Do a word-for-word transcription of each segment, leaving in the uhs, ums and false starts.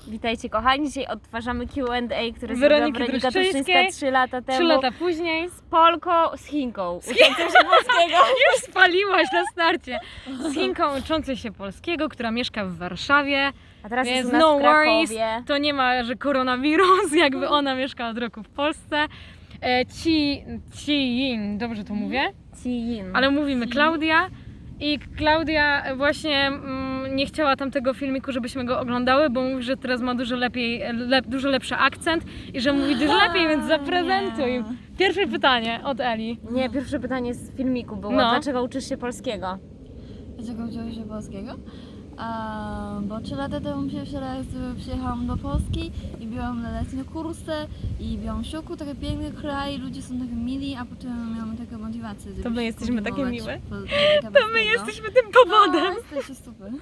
Witajcie kochani, dzisiaj odtwarzamy Q and A, które Weroniki zrobiła Weronika Truszczyńskiej. Truszczyńska trzy lata temu. Trzy lata później. Z Polką, z Chinką. Uczącą się polskiego. Już spaliłaś na starcie. Z Chinką uczącą się polskiego, która mieszka w Warszawie. A teraz jest Więc u nas no w worries, Krakowie. to nie ma, że koronawirus, jakby ona mieszka od roku w Polsce. E, Ci, Ci Yin, dobrze to mówię? Cin. Ale mówimy Klaudia. I Klaudia właśnie mm, nie chciała tamtego filmiku, żebyśmy go oglądały, bo mówi, że teraz ma dużo lepiej, lep, dużo lepszy akcent i że mówi dużo lepiej, więc zaprezentuj. Pierwsze pytanie od Eli. Nie, pierwsze pytanie z filmiku było, No. dlaczego uczysz się polskiego? Dlaczego uczyłam się polskiego? A, bo trzy lata temu pierwszy raz przyjechałam do Polski i byłam na letnie kursy i byłam w szoku, taki piękny kraj, ludzie są takie mili, a potem miałam taką motywację, żeby To my jesteśmy takie kontynuować miłe? po- To my jesteśmy tym powodem. No, jesteście super.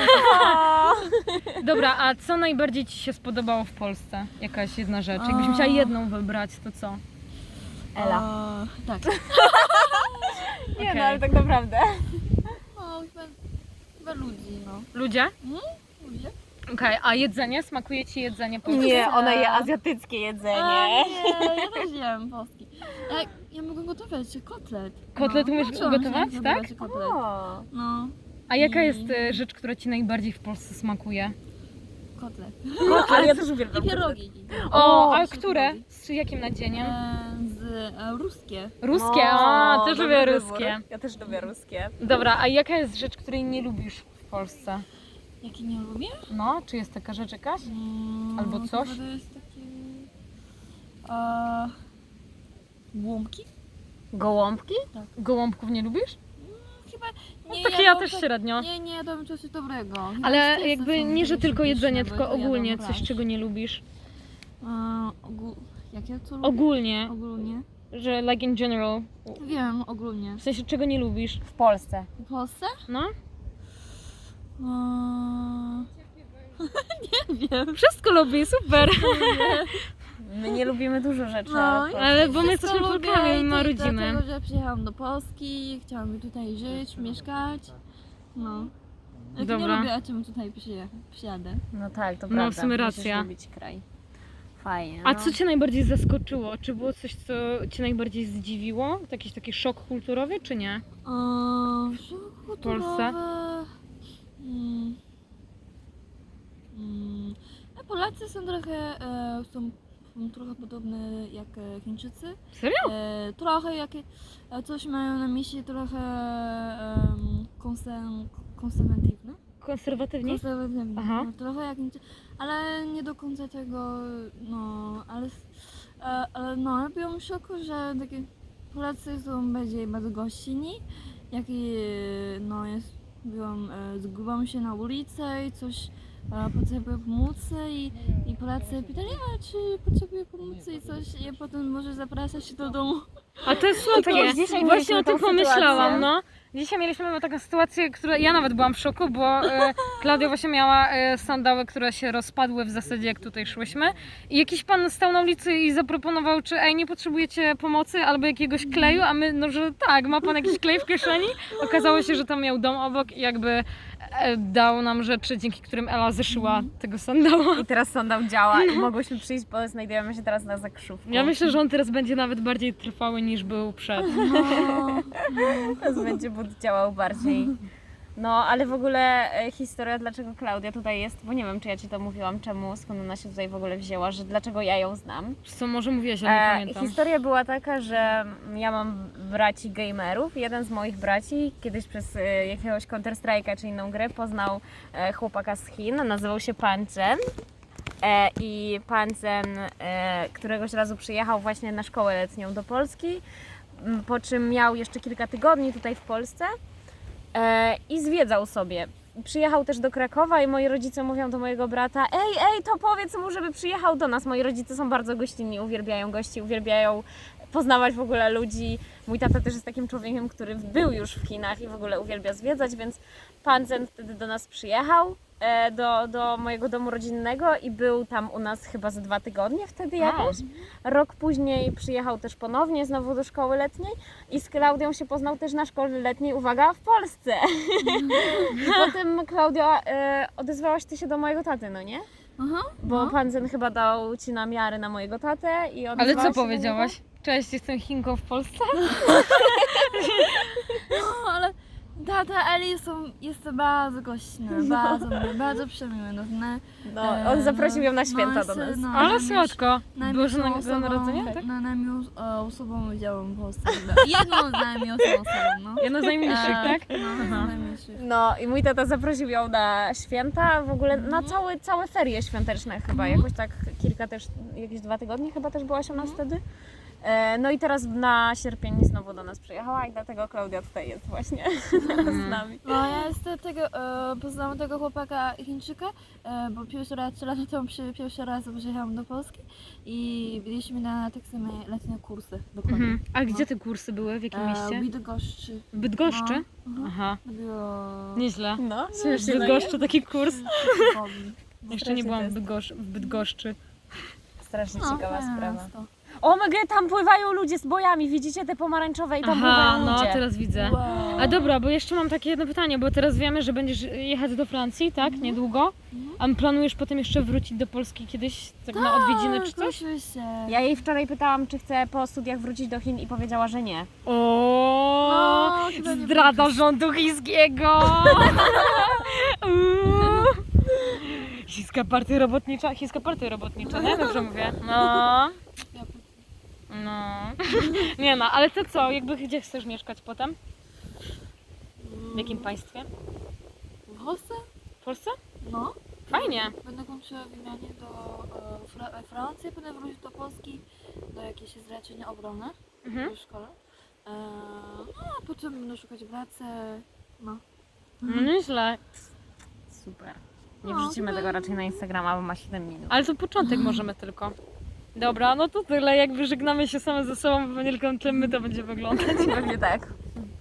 Dobra, a co najbardziej Ci się spodobało w Polsce? Jakaś jedna rzecz. Jakbyś musiała jedną wybrać, to co? Ela. A, tak. Nie Okej. no, ale tak naprawdę. No, chyba, chyba ludzi, no. Ludzie? Ludzie? Okej, a jedzenie? Smakuje Ci jedzenie polskie? Nie, ona je azjatyckie jedzenie. A, nie, ja też jem polski. Ja, ja mogę gotować kotlet. Kotlet no, umiesz nauczyłam się gotować, tak? Kotlet. O. No, A jaka jest e, rzecz, która Ci najbardziej w Polsce smakuje? kotlet. No, ale ja też uwielbiam. I pierogi. O, O, a się które? lubi. Z jakim nadzieniem? E, z e, ruskie. Ruskie, O, a też dobry lubię wybór. ruskie. Ja też lubię ruskie. Dobra, a jaka jest rzecz, której nie lubisz w Polsce? Jaki nie lubię? No, czy jest taka rzecz jakaś? Mm, Albo coś? chyba to jest takie... E, łąbki? Gołąbki? Gołąbków nie lubisz? Chyba No, nie takie ja jadłam też tak- średnio. Nie, nie jadłam czegoś dobrego. Chyba Ale ciasta jakby są nie, że takie tylko jedzenie, pyszne, tylko bo to ogólnie jadłam coś, raz. czego nie lubisz. E, ogól... Jakie co lubię? Ogólnie, Ogólnie. że like in general. Wiem, ogólnie. W sensie, czego nie lubisz. W Polsce. W Polsce? No? Eee, nie wiem. Wszystko lubi, super. My nie lubimy dużo rzeczy. No, ale Ale bo my Wszystko jesteśmy lubię Polkami, i ma też rodziny. Dlatego, że przyjechałam do Polski, chciałam tutaj żyć, mieszkać. No. Jak Dobra. nie lubię, a czemu tutaj przyje- przyjadę? No tak, to No, prawda. w sumie Musisz racja. lubić kraj. Fajnie. A no. co Cię najbardziej zaskoczyło? Czy było coś, co Cię najbardziej zdziwiło? Jakiś taki szok kulturowy, czy nie? Eee, w Polsce? Polsce? Mm. Mm. A Polacy są trochę, e, są, są trochę podobne jak e, Chińczycy. Serio? E, trochę jak e, coś mają na myśli trochę um, konser- konserwatywne. Konserwatywni? Konserwatywne. Aha. No, trochę jak Chińczycy, ale nie do końca tego, no, ale, e, ale no, ja byłam w szoku, że takie Polacy są bardziej bardzo gościnni, jak i, no, jest, byłam, e, zgubiłam się na ulicy i coś e, potrzebuję pomocy i, i Polacy pytali, a czy potrzebuję pomocy i coś i potem może zapraszać do domu. A to jest słodkie. już dzisiaj Właśnie mieliśmy o tym tą pomyślałam, sytuację. no. Dzisiaj mieliśmy taką sytuację, która ja nawet byłam w szoku, bo e, Klaudia właśnie miała e, sandały, które się rozpadły w zasadzie jak tutaj szłyśmy i jakiś pan stał na ulicy i zaproponował, czy ej, nie potrzebujecie pomocy albo jakiegoś kleju, a my, no że tak, ma pan jakiś klej w kieszeni? Okazało się, że tam miał dom obok i jakby e, dał nam rzeczy, dzięki którym Ela zeszyła tego sandała. I teraz sandał działa i mogłyśmy przyjść, bo znajdujemy się teraz na Zakrzówku. Ja myślę, że on teraz będzie nawet bardziej trwały niż był przed. No, Teraz będzie but działał bardziej. No, ale w ogóle e, historia, dlaczego Klaudia tutaj jest, bo nie wiem, czy ja Ci to mówiłam, czemu, skąd ona się tutaj w ogóle wzięła, że dlaczego ja ją znam. Co może mówiłaś, ale nie E, pamiętam. historia była taka, że ja mam braci gamerów. Jeden z moich braci kiedyś przez e, jakiegoś Counter-Strike'a czy inną grę poznał e, chłopaka z Chin, nazywał się Pan Chen. E, I Pan Chen e, któregoś razu przyjechał właśnie na szkołę letnią do Polski, m, po czym miał jeszcze kilka tygodni tutaj w Polsce e, i zwiedzał sobie. Przyjechał też do Krakowa i moi rodzice mówią do mojego brata: ej, ej, to powiedz mu, żeby przyjechał do nas. Moi rodzice są bardzo gościnni, uwielbiają gości, uwielbiają poznawać w ogóle ludzi. Mój tata też jest takim człowiekiem, który był już w Chinach i w ogóle uwielbia zwiedzać, więc Pan Zen wtedy do nas przyjechał. e, do, do mojego domu rodzinnego i był tam u nas chyba za dwa tygodnie wtedy jakoś. Rok później przyjechał też ponownie znowu do szkoły letniej i z Klaudią się poznał też na szkole letniej, uwaga, w Polsce. I potem Klaudia, e, odezwałaś ty się do mojego taty, no nie? Aha, Bo no. pan Zen chyba dał ci namiary na mojego tatę i Ale odezwałaś co się do powiedziałaś? Cześć, jestem Chinką w Polsce? No, ale tata Eli są, jest bardzo gośny, bardzo miły, bardzo przemiły. No, na, niego? No, on zaprosił ją na święta no, do nas. no, Ale najmiłsz- słodko. najmilszą Boże osobą- Narodzenia, tak? Na najmiłszą e, osobą widziałam w Polsce. Jedną z najmilszą osobą, no. Jedna z najmilszych, E, tak? No, Aha. z najmilszych. No i mój tata zaprosił ją na święta, w ogóle na Mhm. całe, całe ferie świąteczne chyba, Mhm. jakoś tak kilka też, jakieś dwa tygodnie chyba też byłaś u nas wtedy. E, No i teraz na sierpień znowu do nas przyjechała i dlatego Klaudia tutaj jest właśnie z nami. No ja jestem tego, e, poznałam tego chłopaka Chińczyka, e, bo pierwszy raz, trzy lata temu przy, pierwszy raz przyjechałam do Polski i byliśmy na tak same letnie kursy dokładnie. Mhm. A gdzie te kursy były? W jakim E, mieście? w Bydgoszczy. W Bydgoszczy? No, mhm. Aha, To było... nieźle. No, W śmiesznie, no nie? Bydgoszczy taki kurs. tygodni. Jeszcze nie Strasznie byłam to w jest- Bydgoszczy. W Bydgoszczy. Strasznie No, ciekawa fajne sprawa. miasto. O my god, tam pływają ludzie z bojami, widzicie te pomarańczowe i tam Aha, pływają no ludzie. teraz widzę. Wow. A dobra, bo jeszcze mam takie jedno pytanie, bo teraz wiemy, że będziesz jechać do Francji, tak? Niedługo. A planujesz potem jeszcze wrócić do Polski kiedyś, tak na odwiedziny czy Tak, coś? oczywiście. Ja jej wczoraj pytałam, czy chce po studiach wrócić do Chin i powiedziała, że nie. O, No, chyba nie zdrada rządu chińskiego! Uuu. Chińska partia robotnicza, chińska partia robotnicza, nie? Dobrze mówię. No, no. Nie no, ale to co, jakby gdzie chcesz mieszkać potem? W jakim państwie? W Polsce? W Polsce? No. Fajnie. Będę kończyła wymianie do e, Fra e, Francji, będę wrócić do Polski do jakiejś zleczenia obrony Mhm. w szkole. E, no, a potem będę szukać pracy. No. No nieźle. Super. Nie No, wrzucimy chyba- tego raczej na Instagrama, bo ma siedem minut. Ale to początek możemy tylko. Dobra, no to tyle, jakby żegnamy się same ze sobą, bo nie tylko tym my to będzie wyglądać. Pewnie tak.